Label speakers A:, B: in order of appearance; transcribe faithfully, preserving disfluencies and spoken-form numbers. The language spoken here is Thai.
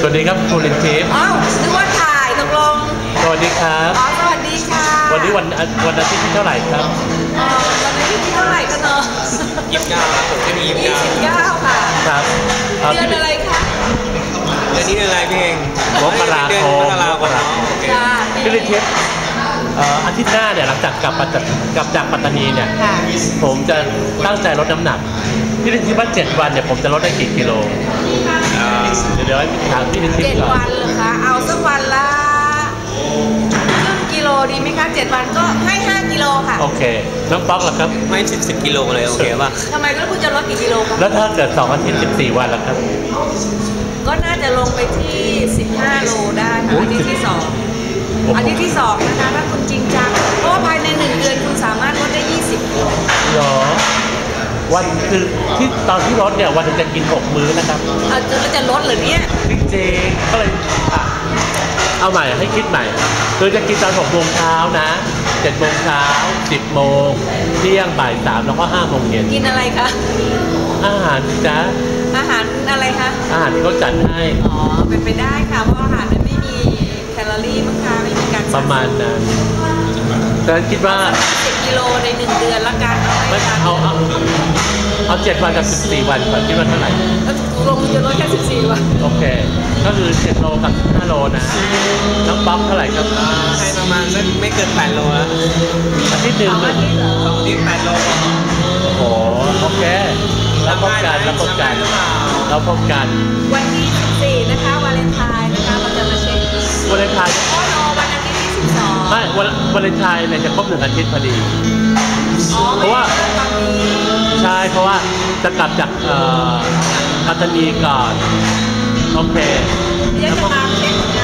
A: วัสดีครับคุณลินทิพย์
B: อ้าวนึกว่าถ่ายตกลง
A: สวัสดีครับ
B: อ๋อสวัสดีค่ะ
A: วันนี้วันวันอาทิตย์ที่เท่าไหร่ครับ
B: อ๋อวันอาทิตย์ที่เท่าไหร่กันเนาะ
C: ยี่สิบเก้าครับผมจะมียี่สิบเก้า
B: ยี่สิบเก้าค่ะ
A: ครับ
B: เดือนอะไรคะ
C: เดือนนี้เดือนอะไรพี่เอง
A: มกราคมมกราคมพี่ลินทิพย์อาทิตย์หน้าเนี่ยหลังจากกลับปัตกลับจากปัตตานีเนี่ยผมจะตั้งใจลดน้ำหนักพี่ลินทิพย์ว่าเจ็ดวันเนี่ยผมจะลดได้กี่กิโลเดี๋ยวเดี๋ยวให้ถามพี่ลินทิพย์ก่อน
B: เจ็ดวันเหรอคะเอาสักวันละครึ่งกิโลดีไหมคะเจ็ดวันก็ให้ห้ากิโลค่ะ
A: โอเคน้องป๊อกล่ะครับ
C: ไม่สิบสิบกิโลเลยโอเคป่ะ
B: ทำไมแล้วคุณจะลดกี่กิโลคะ
A: แล้วถ้าเกิดสองอาทิตย์สิบสี่วันล่ะครับ
B: ก็น่าจะลงไปที่สิบห้าโลได้ค่ะอาทิตย์ที่สองอาทิตย์ที่สองนะคะถ้าคุณจริงจังเพราะว่าภายในหนึ่งเดือนคุณสามารถลดได้ยี่สิบกิโล
A: หรอวันคือที่ตอนที่ลดเนี่ยวันนึงจะกินหกมื้อนะครับ
B: เอาจะจะลดหรือเนี่ย
A: จริงๆก็เลยอ่ะเอาใหม่ให้คิดใหม่คือจะกินตอนหกโมงเช้านะเจ็ดโมงเช้าสิบโมงเที่ยงบ่ายสามแล้วก็ห้าโมงเย็น
B: กินอะไรคะ
A: อาหารจ้า
B: อาหารอะไรคะ
A: อาหารที่เขาจัดให้
B: อ๋อเป็นไปได้ค่ะเพราะอาหารนั้นไม่มีแคลอรี่มั้งคะไม่มีการ
A: ประมาณนั้นแต่คิดว่า
B: สิบกิโลในหนึ่งเดือนละกัน
A: ไม่เอาเอาเอาเจ็ดวันกับสิบสี่วันก่อนคิดว่าเท่าไหร่
B: ลงจะลดแค่สิบสี่วัน
A: โอเคก็คือเจ็ดโลกับห้าโลนะน้องป๊อกเท่าไหร่ครับ
C: ให้ประมาณสักไม่เกินแปดโลแล้ว
A: อาทิตย์หนึ่งเลย
C: สองอาทิตย์แปดโล
A: โอ้โหโอเคแล้วพบกันแล้วพบกันแล้วพบกัน
B: วันที่สิบสี่นะคะวาเลนไทน์นะคะเราจะมาเช็คว
A: าเลนไทน์
B: โอ้โหวันอาทิตย์ที่สิบสอง
A: ไม่วันวาเลนไทน์เนี่ยจะครบหนึ่งอาทิตย์พอดีเพราะว่าใช่เพราะว่าจะกลับจากปัตตานีก่อนโอเค
B: เดี๋ยวจะตามเช็ค